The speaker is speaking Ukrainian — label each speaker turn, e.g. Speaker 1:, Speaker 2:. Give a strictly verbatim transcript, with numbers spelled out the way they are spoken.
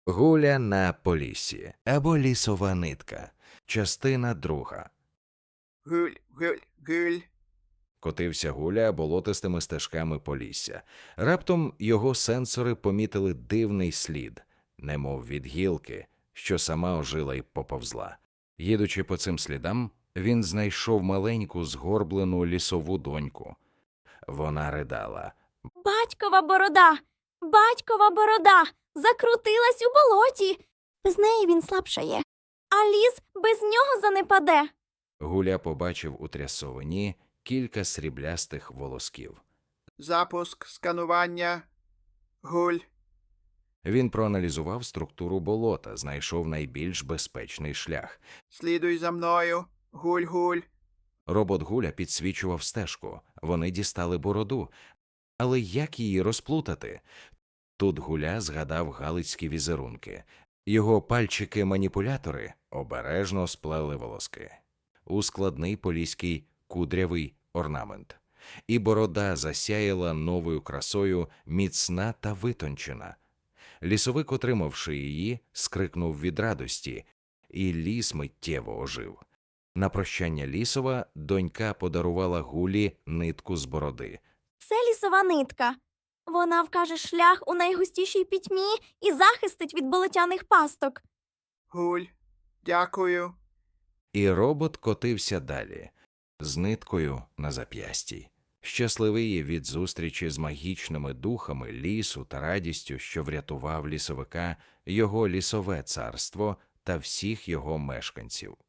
Speaker 1: Гуля на Поліссі або лісова нитка. Частина друга.
Speaker 2: Гуль, гуль, гуль.
Speaker 1: Котився Гуля болотистими стежками Полісся. Раптом його сенсори помітили дивний слід, немов від гілки, що сама ожила й поповзла. Їдучи по цим слідам, він знайшов маленьку згорблену лісову доньку. Вона ридала.
Speaker 3: Батькова борода! Батькова борода! Закрутилась у болоті! Без неї він слабшає, а ліс без нього занепаде.
Speaker 1: Гуля побачив у трясовині кілька сріблястих волосків.
Speaker 2: Запуск сканування. Гуль.
Speaker 1: Він проаналізував структуру болота, знайшов найбільш безпечний шлях.
Speaker 2: Слідуй за мною. Гуль, гуль.
Speaker 1: Робот Гуля підсвічував стежку. Вони дістали бороду. Але як її розплутати? Тут Гуля згадав галицькі візерунки. Його пальчики-маніпулятори обережно сплели волоски у складний поліський кудрявий орнамент. І борода засяяла новою красою, міцна та витончена. Лісовик, отримавши її, скрикнув від радості, і ліс миттєво ожив. На прощання Лісова донька подарувала Гулі нитку з бороди.
Speaker 3: Це лісова нитка. Вона вкаже шлях у найгустішій пітьмі і захистить від болотяних пасток.
Speaker 2: Гуль. Дякую.
Speaker 1: І робот котився далі, з ниткою на зап'ясті. Щасливий від зустрічі з магічними духами лісу та радістю, що врятував лісовика, його лісове царство та всіх його мешканців.